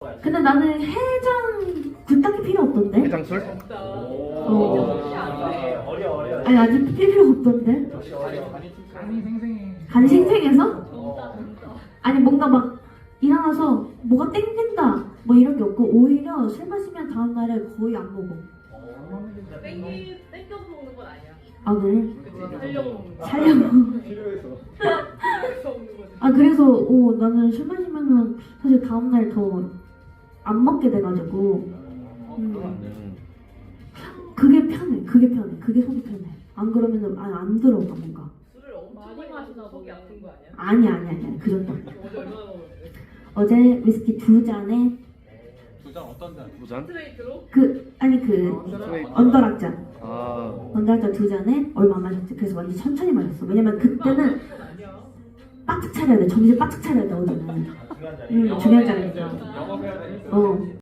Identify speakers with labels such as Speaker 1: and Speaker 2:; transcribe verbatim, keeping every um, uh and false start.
Speaker 1: 근데 나는 해장 그딱히 필요 없던데.
Speaker 2: 해장술?
Speaker 1: 어.
Speaker 3: 어려 어려.
Speaker 1: 아니 아직 필요 없던데.
Speaker 4: 간이 생생해.
Speaker 1: 간이 생생해서? 아니 뭔가 막 일어나서 뭐가 땡긴다 뭐 이런 게 없고 오히려 술 마시면 다음 날에 거의 안 먹어.
Speaker 5: 땡기 땡겨서 먹는 건 아니야.
Speaker 1: 아 그래?
Speaker 5: 그치 살려고 먹는 거.
Speaker 1: 살려고.
Speaker 3: 필요해서.
Speaker 5: 그래서 먹는 거지.
Speaker 1: 아 그래서 어, 나는 술 마시면은 사실 다음 날 더 안 먹게 돼가지고 음,
Speaker 2: 음.
Speaker 1: 그게 편해. 그게 편해. 그게 속이 편해. 안 그러면은 아예 안 들어가 뭔가.
Speaker 5: 술을 엄청 많이 마시나 속이 아픈 거 아니야?
Speaker 1: 아니 아니 아니 그 정도.
Speaker 5: 어제 얼마나 먹었는데?
Speaker 1: 어제 위스키 두 잔에
Speaker 4: 두잔 어떤 잔?
Speaker 2: 두 잔?
Speaker 5: 스트레이트로?
Speaker 1: 그 아니 그
Speaker 2: 스트레이트.
Speaker 1: 언더락잔.
Speaker 2: 아.
Speaker 1: 언더락잔 두 잔에 얼마 안 마셨지. 그래서 완전 천천히 마셨어. 왜냐면 그때는
Speaker 5: 그건 아니야.
Speaker 1: 바짝 차려야 돼. 정신 바짝 차려야 돼 어제는.
Speaker 3: 중요한 자리.
Speaker 1: 음 중요한 자리니까.
Speaker 4: 영업해야 되니까.
Speaker 1: 어.